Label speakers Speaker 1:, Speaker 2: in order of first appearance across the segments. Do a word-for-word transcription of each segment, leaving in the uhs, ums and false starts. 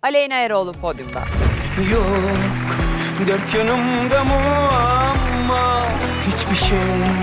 Speaker 1: Aleyna Eroğlu podyumda.
Speaker 2: Yok, dört yanımda muamma, hiçbir şey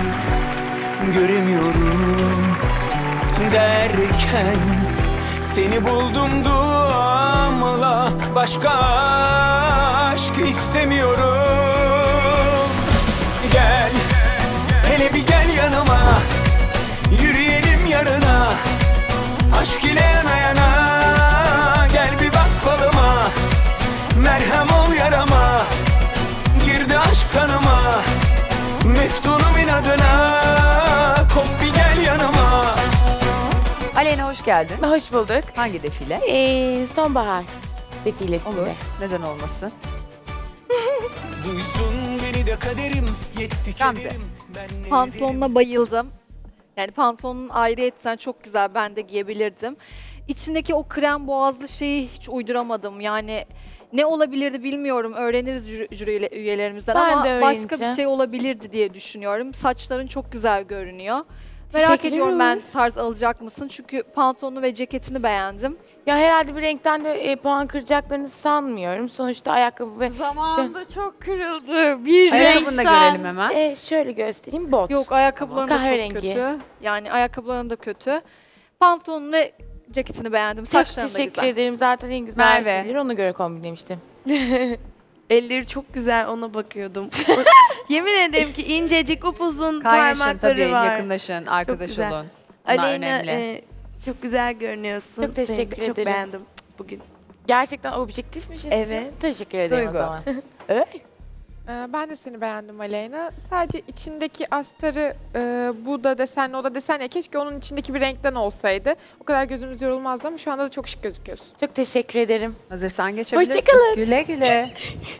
Speaker 2: göremiyorum derken seni buldum duamla, başka aşk istemiyorum. Gel, hele bir gel yanıma, yürüyelim yarına, aşk ile yana yana. Gel bir bak falıma, merhem ol yarama, girdi aşk kanıma, meftunum inadına, kop bir gel yanıma.
Speaker 1: Aleyna hoş geldin.
Speaker 3: Hoş bulduk.
Speaker 1: Hangi defile?
Speaker 3: Ee, sonbahar defilesinde.
Speaker 1: Olur. Neden olmasın?
Speaker 2: Duysun beni de kaderim, yetti
Speaker 1: Gamze.
Speaker 2: kederim. Ben ne
Speaker 4: Pantolonuna bayıldım. Yani pantolonun ayrıyeten çok güzel, ben de giyebilirdim. İçindeki o krem boğazlı şeyi hiç uyduramadım. Yani ne olabilirdi bilmiyorum. Öğreniriz jüri, jüri üyelerimizden
Speaker 3: Ben
Speaker 4: ama
Speaker 3: de
Speaker 4: başka bir
Speaker 3: öğreneceğim.
Speaker 4: şey olabilirdi diye düşünüyorum. Saçların çok güzel görünüyor. Merak
Speaker 3: Teşekkür
Speaker 4: ediyorum,
Speaker 3: ederim.
Speaker 4: ben tarz alacak mısın? Çünkü pantolonu ve ceketini beğendim.
Speaker 3: Ya herhalde bir renkten de e, puan kıracaklarını sanmıyorum. Sonuçta ayakkabı ve...
Speaker 5: Zamanında çok kırıldı. Bir
Speaker 1: Ayakkabını da
Speaker 5: renkten.
Speaker 1: görelim hemen.
Speaker 3: E, şöyle göstereyim, bot.
Speaker 4: Yok, ayakkabıların da çok
Speaker 3: Kahverengi.
Speaker 4: kötü. Yani ayakkabıların da kötü. Pantolonu ve ceketini beğendim.
Speaker 3: Çok
Speaker 4: Saçların da
Speaker 3: teşekkür
Speaker 4: güzel.
Speaker 3: ederim. Zaten en güzel
Speaker 1: Merve.
Speaker 3: şeyleri ona göre kombinlemiştim.
Speaker 5: Elleri çok güzel, ona bakıyordum. Yemin ederim ki incecik, upuzun
Speaker 1: Kaynaşın
Speaker 5: parmakları
Speaker 1: tabii,
Speaker 5: var.
Speaker 1: yakınlaşın, arkadaş
Speaker 5: güzel.
Speaker 1: olun. Bunlar
Speaker 5: Aleyna,
Speaker 1: önemli.
Speaker 5: e, çok güzel görünüyorsun.
Speaker 3: Çok teşekkür
Speaker 5: Seni Çok
Speaker 3: ederim.
Speaker 5: beğendim bugün.
Speaker 3: Gerçekten objektifmişiz.
Speaker 5: Evet.
Speaker 3: Teşekkür ederim
Speaker 1: Duygu.
Speaker 3: o zaman.
Speaker 6: Ee, Ben de seni beğendim Aleyna. Sadece içindeki astarı e, bu da desenli, o da desen ya, keşke onun içindeki bir renkten olsaydı. O kadar gözümüz yorulmazdı ama şu anda da çok şık gözüküyorsun.
Speaker 3: Çok teşekkür ederim.
Speaker 1: Hazırsan geçebilirsin.
Speaker 3: Hoşçakalın.
Speaker 1: Güle güle.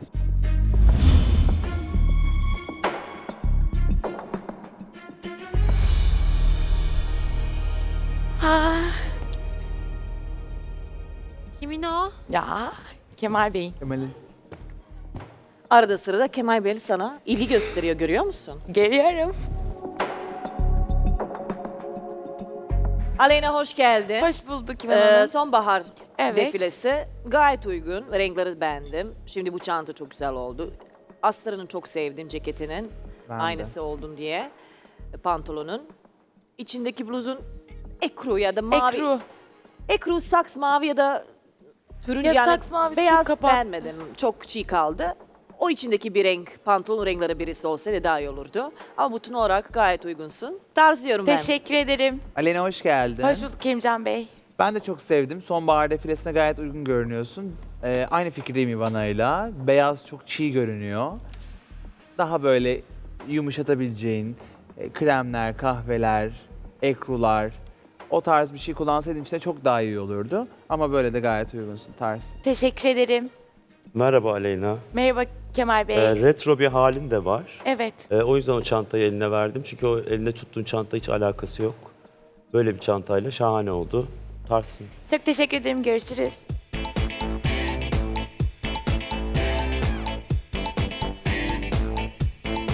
Speaker 3: Ha.
Speaker 5: Kimin o?
Speaker 3: Ya Kemal Bey.
Speaker 7: Arada sırada Kemal Bey sana ilgi gösteriyor, görüyor musun?
Speaker 3: Geliyorum.
Speaker 7: Aleyna hoş geldin.
Speaker 3: Hoş bulduk İvan
Speaker 7: Ee,
Speaker 3: Hanım.
Speaker 7: sonbahar
Speaker 3: Evet.
Speaker 7: defilesi gayet uygun. Renkleri beğendim. Şimdi bu çanta çok güzel oldu. Astarını çok sevdim, ceketinin.
Speaker 8: Ben de.
Speaker 7: Aynısı oldun diye. Pantolonun. İçindeki bluzun ekru ya da mavi.
Speaker 3: Ekru.
Speaker 7: Ekru, saks mavi ya da türün
Speaker 3: Ya
Speaker 7: yani
Speaker 3: saks mavisi
Speaker 7: beyaz
Speaker 3: kapat.
Speaker 7: beğenmedim. Çok çiğ kaldı. O içindeki bir renk, pantolon renkleri birisi olsaydı daha iyi olurdu. Ama bütün olarak gayet uygunsun. Tarz diyorum ben.
Speaker 3: Teşekkür ederim.
Speaker 8: Aleyna hoş geldin.
Speaker 3: Hoş bulduk Kerimcan Bey.
Speaker 8: Ben de çok sevdim. Sonbahar defilesine gayet uygun görünüyorsun. Ee, aynı fikirdeyim Ivana'yla. Beyaz çok çiğ görünüyor. Daha böyle yumuşatabileceğin e, kremler, kahveler, ekrular, o tarz bir şey kullansaydın içinde çok daha iyi olurdu. Ama böyle de gayet uygunsun tarz.
Speaker 3: Teşekkür ederim.
Speaker 9: Merhaba Aleyna.
Speaker 3: Merhaba Kemal Bey.
Speaker 9: Ee, retro bir halin de var.
Speaker 3: Evet.
Speaker 9: Ee, o yüzden o çantayı eline verdim. Çünkü o elinde tuttuğun çanta hiç alakası yok. Böyle bir çantayla şahane oldu. Tarsın.
Speaker 3: Çok teşekkür ederim. Görüşürüz.